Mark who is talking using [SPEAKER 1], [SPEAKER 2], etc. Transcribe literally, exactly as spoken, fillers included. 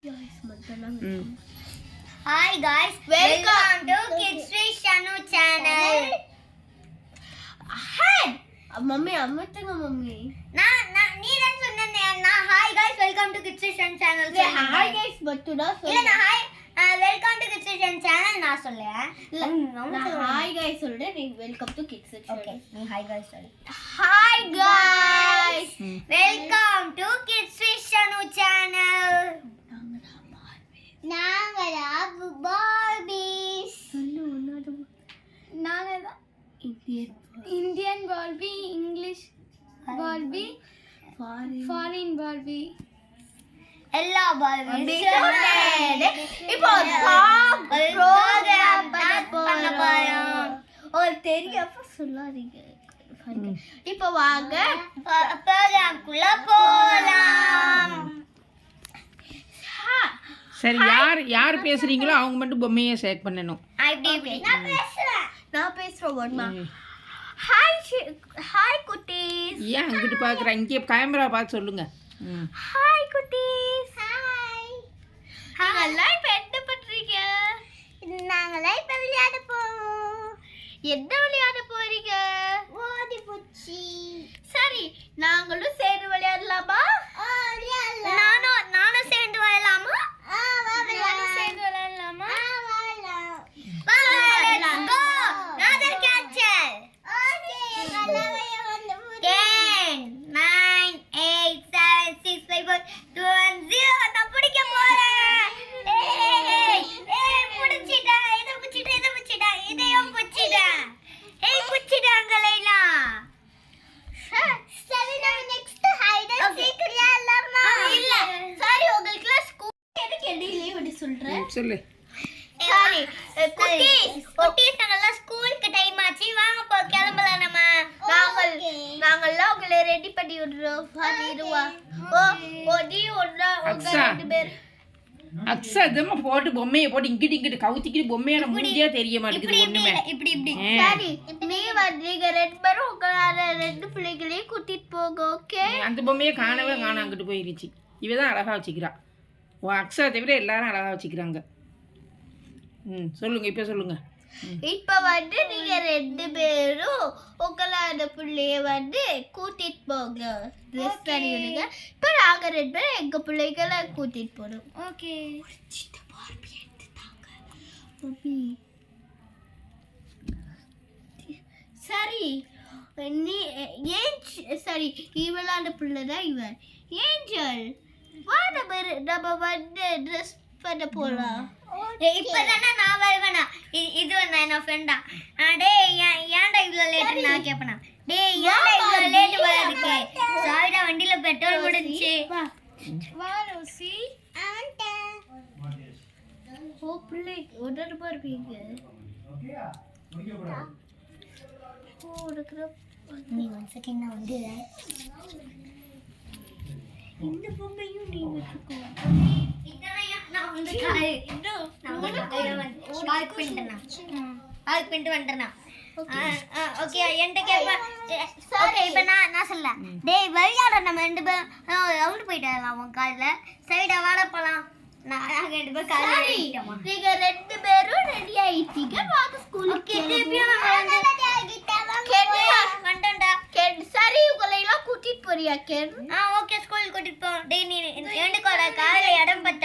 [SPEAKER 1] Hi guys, welcome to Kids with Shanu channel. Hi.
[SPEAKER 2] Mummy अम्मतंग mummy
[SPEAKER 1] ना ना नीरन सुन्नने ना hi guys welcome to Kids with Shanu channel.
[SPEAKER 2] hi guys बत्तुडा
[SPEAKER 1] இல்ல நான் hi welcome to Kids with Shanu channel நான் சொல்றேன்.
[SPEAKER 2] நான் hi guys சொல்றேன் நீ welcome to Kids with Shanu.
[SPEAKER 1] Okay, நீ hi guys சொல்லு.
[SPEAKER 2] Hi guys,
[SPEAKER 1] welcome to Kids with Shanu channel. நாங்களா பார்பிஸ்
[SPEAKER 2] சொல்லு உன்னோட
[SPEAKER 3] நாங்களா
[SPEAKER 2] Indian
[SPEAKER 3] Indian Barbie, English Barbie,
[SPEAKER 2] foreign
[SPEAKER 3] foreign Barbie.
[SPEAKER 1] எல்லா பார்பிஸ்
[SPEAKER 2] இப்போ
[SPEAKER 1] ப்ரோகிராம்
[SPEAKER 2] பண்ண போறோம். ஒரு தெரியப்ப சொல்லாதீங்க. இப்போ வாங்க
[SPEAKER 1] ப்ரோகிராம்க்குள்ள போலாம்.
[SPEAKER 4] சரி, யார் யார் பேசுறீங்களோ அவங்க மட்டும் பொம்மையை செலக்ட் பண்ணணும்.
[SPEAKER 1] அப்படி இப்படி நான் பேசுறேன்.
[SPEAKER 2] நான் பேசுறேன் ஒண்ணா. ஹாய் ஹாய் குட்டீஸ்.
[SPEAKER 4] ஏன் அங்கிட்டு பார்க்குற, இங்கே கேமரா பார்த்து சொல்லுங்க. ம்
[SPEAKER 2] ஹாய் குட்டீஸ்.
[SPEAKER 1] ஹாய்.
[SPEAKER 2] நீங்கெல்லாம் இப்போ என்ன பண்றீங்க?
[SPEAKER 1] நாங்களாம் இப்ப விளையாட போறோம்.
[SPEAKER 2] என்ன விளையாட போறீங்க?
[SPEAKER 1] ஓடி போச்சு.
[SPEAKER 2] சரி, நாங்களும் சேர்ந்து விளையாடலாமா?
[SPEAKER 1] நானும் நானும் சேர்ந்து வரலாமா?
[SPEAKER 2] நானும் சேர்ந்து விளையாடலாமா?
[SPEAKER 1] வா, let's go. Another catcher. ten, nine, eight, seven, six, five, four, two, one, zero. நான் பிடிக்க போறேன். ஏய், ஏய், பிடிச்சிட்டேன். இதை பிடிச்சிட்டேன், இதை பிடிச்சிட்டேன், இதையும் பிடிச்சிட்டேன். ஏய், பிடிச்சிட்டாங்களேலா. சரி, நான் நெக்ஸ்ட் ஹைட் அண்ட் சீக் விளையாடலாமா?
[SPEAKER 2] இல்ல, சரி, உங்களுக்குலாம் ஸ்கூல் எதுக்கு இடையிலே விட்டு சொல்றேன்?
[SPEAKER 4] ம், சொல்லு.
[SPEAKER 1] சரி, குட்டீஸ் குட்டீஸ் நாங்கெல்லாம் ஸ்கூலுக்கு டைம் ஆச்சு, வாங்க போ கிளம்பலாம் நம்ம.
[SPEAKER 2] நாங்கள் நாங்கெல்லாம் உங்களை ரெடி பண்ணி விடுறோம். பண்ணிடுவா. ஓ ஒடி ஒண்ணா உங்க
[SPEAKER 4] அக்ஷா.
[SPEAKER 2] ரெண்டு பேர்.
[SPEAKER 4] அக்ஸா இதமா போட்டு பொம்மையை போட்டு இங்கிட்டு இங்கிட்டு கவுத்திக்கிட்டு பொம்மையான முடிஞ்சே தெரிய
[SPEAKER 1] இப்படி
[SPEAKER 4] மாட்டேங்குது
[SPEAKER 1] இப்படி
[SPEAKER 4] ஒண்ணுமே.
[SPEAKER 1] இல்ல, இப்படி இப்படி.
[SPEAKER 4] ஆ.
[SPEAKER 2] சரி, நீ வந்தீங்க ரெண்டு பேரும் உங்களால ரெண்டு பிள்ளைகளையும் கூட்டிட்டு போங்க. ஓகே?
[SPEAKER 4] அந்த பொம்மையை காணவே காண அங்கிட்டு போயிருச்சு. இவ தான் அழகா வச்சுக்கிறா. உன் அக்ஸா தவிர எல்லாரும் அழகா வச்சுக்கிறாங்க. ம் சொல்லுங்க, இப்போ சொல்லுங்க.
[SPEAKER 2] இப்ப வந்து நீங்க ரெண்டு பேரும் உங்களோட பிள்ளைய வந்து கூட்டிட்டு போங்க. ட்ரெஸ் பண்ணி விடுங்க. இப்ப நாங்க ரெண்டு பேரும் எங்க பிள்ளைகளை கூட்டிட்டு போறோம்.
[SPEAKER 3] Okay.
[SPEAKER 2] சரி, நீ ஏன் சரி இவளான பிள்ளைதான் இவன் ஏஞ்சல். வா, நம்ம ரெ- நம்ம வந்து ட்ரெஸ் பண்ண போலாம்.
[SPEAKER 1] ஏய், இப்பதானே நான் வருவேனா? இ- இது வந்து என்ன ஃப்ரெண்டா? டேய், ஏன் ஏன்டா இவ்வளவு லேட் நான் கேப்பனா? டேய், ஏன்டா இவ்வளவு லேட் வரதுக்கு? சாரிடா, வண்டியில பெட்ரோல் முடிஞ்சுச்சு.
[SPEAKER 3] வா ரோசி.
[SPEAKER 2] ஓ பிள்ளை உடனே பார்ப்பீங்க. ஓ இருக்கிற
[SPEAKER 1] நீ ஒன் செகண்ட் நான் வந்து
[SPEAKER 2] இந்த பொம்மையும் நீ வச்சுக்கோ.
[SPEAKER 1] நான் வந்து காய் நான் வந்து காய் வந்து காய் பண்ணிட்டேனா? காய் பண்ணிட்டு வந்துட்டேனா? ஓகே, என்கிட்ட கேப்ப. ஓகே, இப்போ நான் நான் சொல்ல. டேய், விளையாட நம்ம ரெண்டு பேரும் ரவுண்ட் போயிட்டு வரலாம். உன் காலைல சைடா வாட போலாம். நான் நாங்க ரெண்டு பேரும் காலைல
[SPEAKER 2] சரி,
[SPEAKER 1] ஏறிட்டோமா?
[SPEAKER 2] நீங்க ரெண்டு பேரும் ரெடி ஆயிட்டீங்க. வாங்க ஸ்கூலுக்கு.
[SPEAKER 1] ஓகே, திருப்பியும் நம்ம வந்து வந்துட்டோம்டா.
[SPEAKER 2] கேட் சரி, உங்களை எல்லாம் கூட்டிட்டு போறியா கேட்?
[SPEAKER 1] ஆ ஓகே, ஸ்கூல் கூட்டிட்டு போ. டேய், நீ எனக்கு காலையில இடம் பத்த